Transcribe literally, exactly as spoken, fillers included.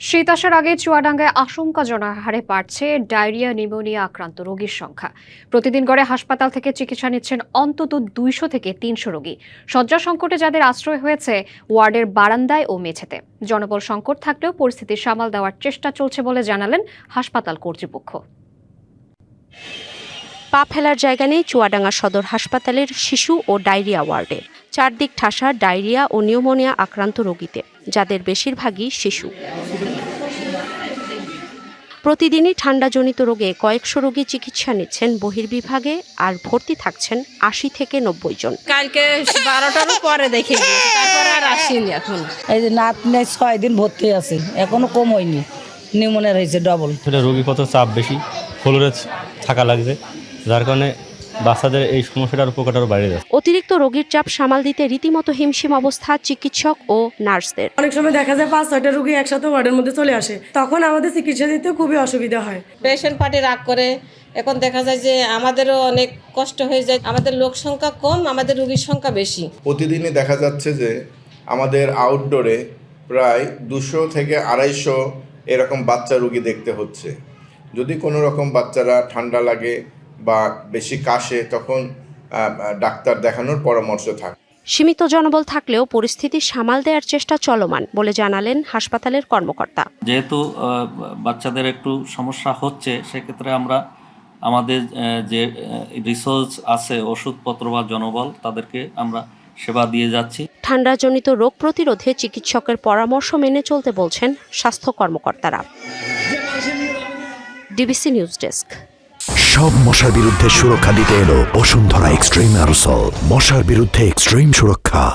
শীত আসার আগে চুয়াডাঙ্গায় আশঙ্কাজনক হারে বাড়ছে ডায়রিয়া নিউমোনিয়া আক্রান্ত রোগীর সংখ্যা। প্রতিদিন গড়ে হাসপাতাল থেকে চিকিৎসা নিচ্ছেন অন্তত দুইশো থেকে তিনশো রোগী। শয্যা সংকটে যাদের আশ্রয় হয়েছে ওয়ার্ডের বারান্দায় ও মেঝেতে। জনবল সংকট থাকলেও পরিস্থিতি সামাল দেওয়ার চেষ্টা চলছে বলে জানালেন হাসপাতাল কর্তৃপক্ষ। পা ফেলার জায়গা নেই চুয়াডাঙ্গা সদর হাসপাতালের শিশু ও ডায়রিয়া ওয়ার্ডে। চারদিক ঠাসা ডায়রিয়া ও নিউমোনিয়া আক্রান্ত রোগীতে, যাদের বেশিরভাগই শিশু। প্রতিদিনই ঠান্ডাজনিত রোগে কয়েকশো রোগী চিকিৎসা নিচ্ছেন বহির্বিভাগে, আর ভর্তি থাকছেন আশি থেকে নব্বই জন। কালকে বারোটার পরে দেখে তারপরে আর আসেনি। এখন এই যে নাত নেই ছয় দিন ভর্তি আছে, এখনো কম হয়নি, নিউমোনিয়া হয়েছে ডবল। রোগী কত চাপ বেশি, ফ্লোরে থাকা লাগছে, যার কারণে বাচ্চাদের এই সমস্যাটার উপকার আরও বাইরে যাচ্ছে। অতিরিক্ত রোগীর চাপ সামাল দিতে রীতিমতো হিমশিম অবস্থা চিকিৎসক ও নার্সদের। অনেক সময় দেখা যায় পাঁচ ছয়টা রোগী একসাথে ওয়ার্ডের মধ্যে চলে আসে, তখন আমাদের চিকিৎসা দিতে খুবই অসুবিধা হয়। পেশেন্ট পার্টি রাগ করে, এখন দেখা যায় যে আমাদেরও অনেক কষ্ট হয়ে যায়। আমাদের লোক সংখ্যা কম, আমাদের রোগীর সংখ্যা বেশি। প্রতিদিনই দেখা যাচ্ছে যে আমাদের আউটডোরে প্রায় দুশো থেকে আড়াইশো এরকম বাচ্চা রোগী দেখতে হচ্ছে। যদি কোনো রকম বাচ্চারা ঠান্ডা লাগে বা বেশি কাশে, তখন ডাক্তার দেখানোর পরামর্শ থাকে। সীমিত জনবল থাকলেও পরিস্থিতি সামাল দেওয়ার চেষ্টা চলমান বলে জানালেন হাসপাতালের কর্মকর্তা। যেহেতু বাচ্চাদের একটু সমস্যা হচ্ছে, সেক্ষেত্রে আমরা আমাদের যে রিসোর্স আছে, ওষুধপত্র বা জনবল, তাদেরকে আমরা সেবা দিয়ে যাচ্ছি। ঠান্ডাজনিত রোগ প্রতিরোধে চিকিৎসকের পরামর্শ মেনে চলতে বলছেন স্বাস্থ্য কর্মকর্তারা। DBC news desk. সব মশার বিরুদ্ধে সুরক্ষা দিতে এলো বসুন্ধরা এক্সট্রিম অ্যারোসল। মশার বিরুদ্ধে এক্সট্রিম সুরক্ষা।